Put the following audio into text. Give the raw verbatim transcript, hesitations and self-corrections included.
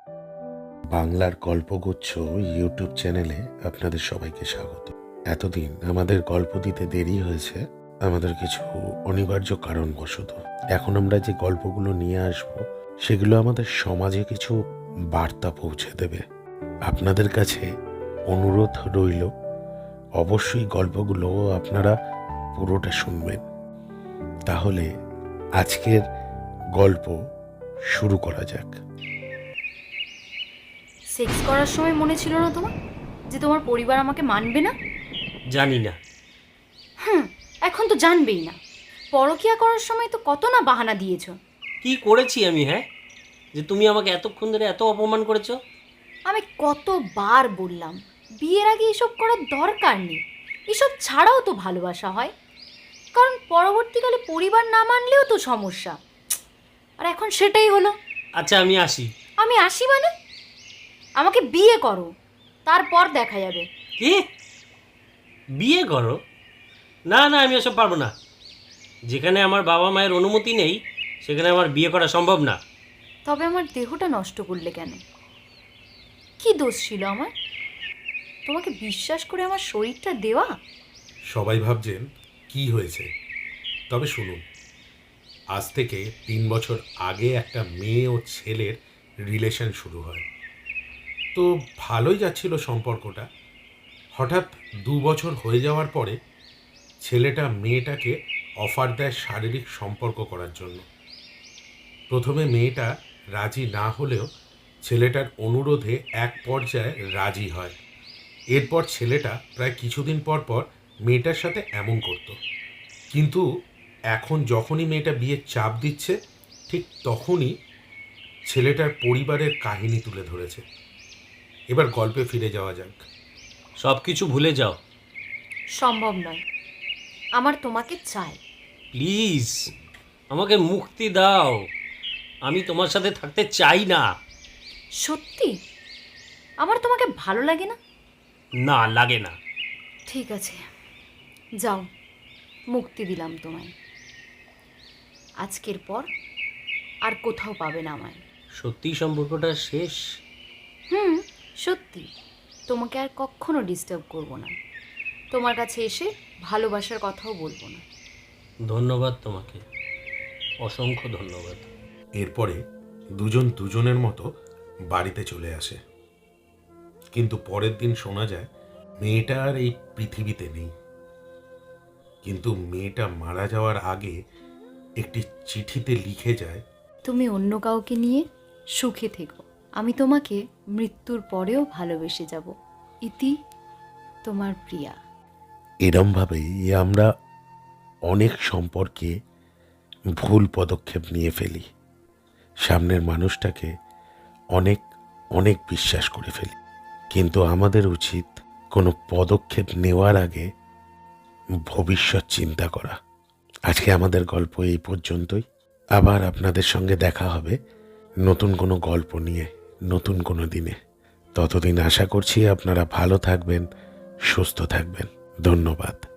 বাংলার গল্পগুচ্ছ ইউটিউব চ্যানেলে আপনাদের সবাইকে স্বাগত। এতদিন আমাদের গল্প দিতে দেরি হয়েছে আমাদের কিছু অনিবার্য কারণবশত। এখন আমরা যে গল্পগুলো নিয়ে আসব সেগুলো আমাদের সমাজে কিছু বার্তা পৌঁছে দেবে। আপনাদের কাছে অনুরোধ রইল, অবশ্যই গল্পগুলো আপনারা পুরোটা শুনবেন। তাহলে আজকের গল্প শুরু করা যাক। সেক্স করার সময় মনে ছিল না তোমার যে তোমার পরিবার আমাকে মানবে না? জানি না। হুম, এখন তো জানবেই না। পরকীয়া করার সময় তো কত না বাহানা দিয়েছো। কি করেছি আমি, হ্যাঁ, যে তুমি আমাকে এতক্ষণ ধরে এত অপমান করেছো? আমি কতবার বললাম বিয়ের আগে এসব করার দরকার নেই, এসব ছাড়াও তো ভালোবাসা হয়, কারণ পরবর্তীকালে পরিবার না মানলেও তো সমস্যা। আর এখন সেটাই হলো। আচ্ছা, আমি আসি। আমি আসি মানে? আমাকে বিয়ে করো, তারপর দেখা যাবে। কি? বিয়ে করো? না না, আমি এসব পারবো না। যেখানে আমার বাবা মায়ের অনুমতি নেই সেখানে আমার বিয়ে করা সম্ভব না। তবে আমার দেহটা নষ্ট করলে কেন? কি দোষ ছিল আমার? তোমাকে বিশ্বাস করে আমার শরীরটা দেওয়া? সবাই ভাবছেন কি হয়েছে, তবে শুনুন, আজ থেকে তিন বছর আগে একটা মেয়ে ও ছেলের রিলেশন শুরু হয়। তো ভালোই যাচ্ছিল সম্পর্কটা। হঠাৎ দু বছর হয়ে যাওয়ার পরে ছেলেটা মেয়েটাকে অফার দেয় শারীরিক সম্পর্ক করার জন্য। প্রথমে মেয়েটা রাজি না হলেও ছেলেটার অনুরোধে এক পর্যায়ে রাজি হয়। এরপর ছেলেটা প্রায় কিছুদিন পর পর মেয়েটার সাথে এমন করত। কিন্তু এখন যখনই মেয়েটা বিয়ের চাপ দিচ্ছে, ঠিক তখনই ছেলেটার পরিবারের কাহিনী তুলে ধরেছে। এবার গল্পে ফিরে যাওয়া যাক। সব কিছু ভুলে যাও সম্ভব নয়, আমার তোমাকে চাই। প্লিজ, আমাকে মুক্তি দাও। আমি তোমার সাথে থাকতে চাই না। সত্যি আমার তোমাকে ভালো লাগে না? না, লাগে না। ঠিক আছে, যাও, মুক্তি দিলাম তোমায়। আজকের পর আর কোথাও পাবে না আমায়। সত্যি সম্পর্কটা শেষ? হুম, সত্যি। তোমাকে আর কখনো ডিস্টার্ব করব না, তোমার কাছে এসে ভালোবাসার কথাও বলবো না। ধন্যবাদ তোমাকে, অসংখ্য ধন্যবাদ। এরপরে দুজন দুজনের মতো বাড়িতে চলে আসে। কিন্তু পরের দিন শোনা যায় মেয়েটা আর এই পৃথিবীতে নেই। কিন্তু মেয়েটা মারা যাওয়ার আগে একটি চিঠিতে লিখে যায়, তুমি অন্য কাউকে নিয়ে সুখে থেকো, আমি তোমাকে মৃত্যুর পরেও ভালোবেসে যাব। ইতি, তোমার প্রিয়া। এরমভাবেই আমরা অনেক সম্পর্কে ভুল পদক্ষেপ নিয়ে ফেলি, সামনের মানুষটাকে অনেক অনেক বিশ্বাস করে ফেলি। কিন্তু আমাদের উচিত কোনো পদক্ষেপ নেওয়ার আগে ভবিষ্যৎ চিন্তা করা। আজকে আমাদের গল্প এই পর্যন্তই। আবার আপনাদের সঙ্গে দেখা হবে নতুন কোনো গল্প নিয়ে, নতুন কোনো দিনে। ততদিন আশা করছি আপনারা ভালো থাকবেন, সুস্থ থাকবেন। ধন্যবাদ।